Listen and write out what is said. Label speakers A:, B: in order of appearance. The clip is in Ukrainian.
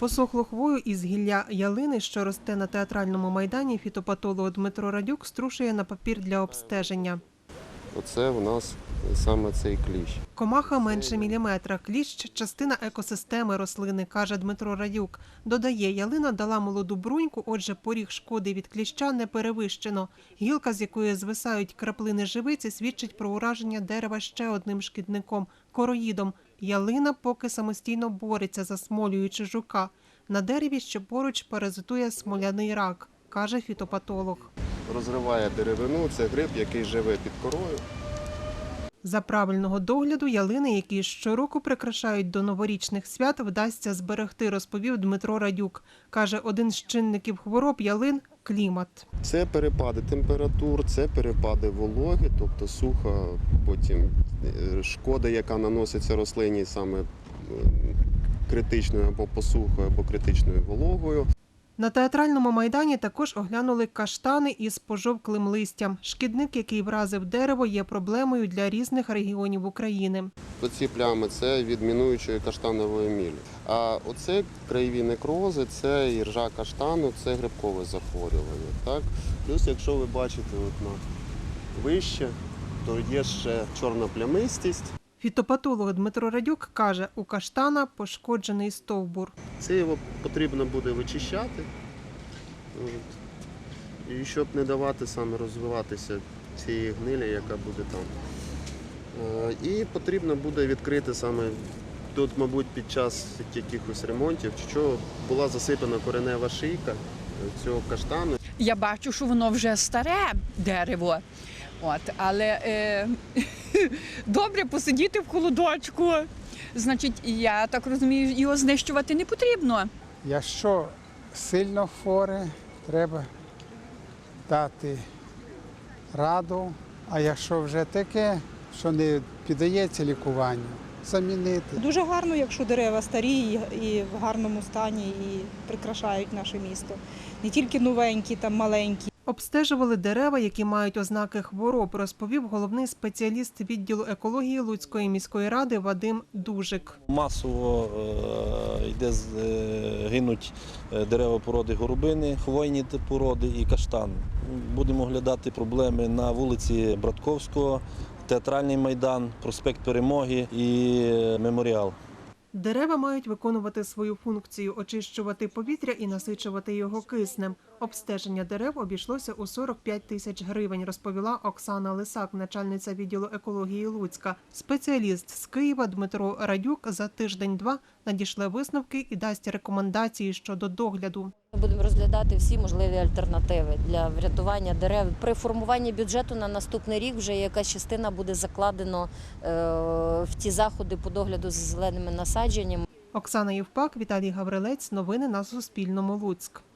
A: Посохлу хвою із гілля ялини, що росте на театральному майдані, фітопатолог Дмитро Радюк струшує на папір для обстеження.
B: Оце у нас саме цей кліщ.
A: Комаха менше міліметра. Кліщ – частина екосистеми рослини, каже Дмитро Радюк. Додає, ялина дала молоду бруньку, отже, поріг шкоди від кліща не перевищено. Гілка, з якої звисають краплини живиці, свідчить про ураження дерева ще одним шкідником – короїдом. Ялина поки самостійно бореться, засмолюючи жука. На дереві, що поруч, паразитує смоляний рак, каже фітопатолог.
B: Розриває деревину, це гриб, який живе під корою.
A: За правильного догляду ялини, які щороку прикрашають до новорічних свят, вдасться зберегти, розповів Дмитро Радюк. Каже, один з чинників хвороб ялин – клімат.
B: Це перепади температур, це перепади вологи, тобто суха, потім шкода, яка наноситься рослині саме критичною або посухою, або критичною вологою.
A: На театральному майдані також оглянули каштани із пожовклим листям. Шкідник, який вразив дерево, є проблемою для різних регіонів України.
B: Оці плями – це від мінуючої каштанової мілі. А оце краєві некрози, це іржа каштану, це грибкове захворювання. Так? Плюс, якщо ви бачите вище, то є ще чорна плямистість.
A: Фітопатолог Дмитро Радюк каже, у каштана пошкоджений стовбур.
B: Це його потрібно буде вичищати, і щоб не давати саме розвиватися цієї гнилі, яка буде там. І потрібно буде відкрити саме тут, мабуть, під час якихось ремонтів, що була засипана коренева шийка цього каштану.
C: Я бачу, що воно вже старе дерево, але добре посидіти в холодочку. Значить, я так розумію, його знищувати не потрібно.
D: Якщо сильно хворе, треба дати раду, а якщо вже таке, що не піддається лікуванню, замінити.
E: Дуже гарно, якщо дерева старі і в гарному стані, і прикрашають наше місто. Не тільки новенькі, там маленькі.
A: Обстежували дерева, які мають ознаки хвороб, розповів головний спеціаліст відділу екології Луцької міської ради Вадим Дужик.
F: Масово гинуть дерева породи горобини, хвойні породи і каштан. Будемо оглядати проблеми на вулиці Братковського, Театральний майдан, проспект Перемоги і Меморіал.
A: Дерева мають виконувати свою функцію – очищувати повітря і насичувати його киснем. Обстеження дерев обійшлося у 45 тисяч гривень, розповіла Оксана Лисак, начальниця відділу екології Луцька. Спеціаліст з Києва Дмитро Радюк за тиждень-два надішле висновки і дасть рекомендації щодо догляду.
G: Ми будемо розглядати всі можливі альтернативи для врятування дерев. При формуванні бюджету на наступний рік вже якась частина буде закладено в ті заходи по догляду за зеленими насадженнями.
A: Оксана Євпак, Віталій Гаврилець. Новини на Суспільному. Луцьк.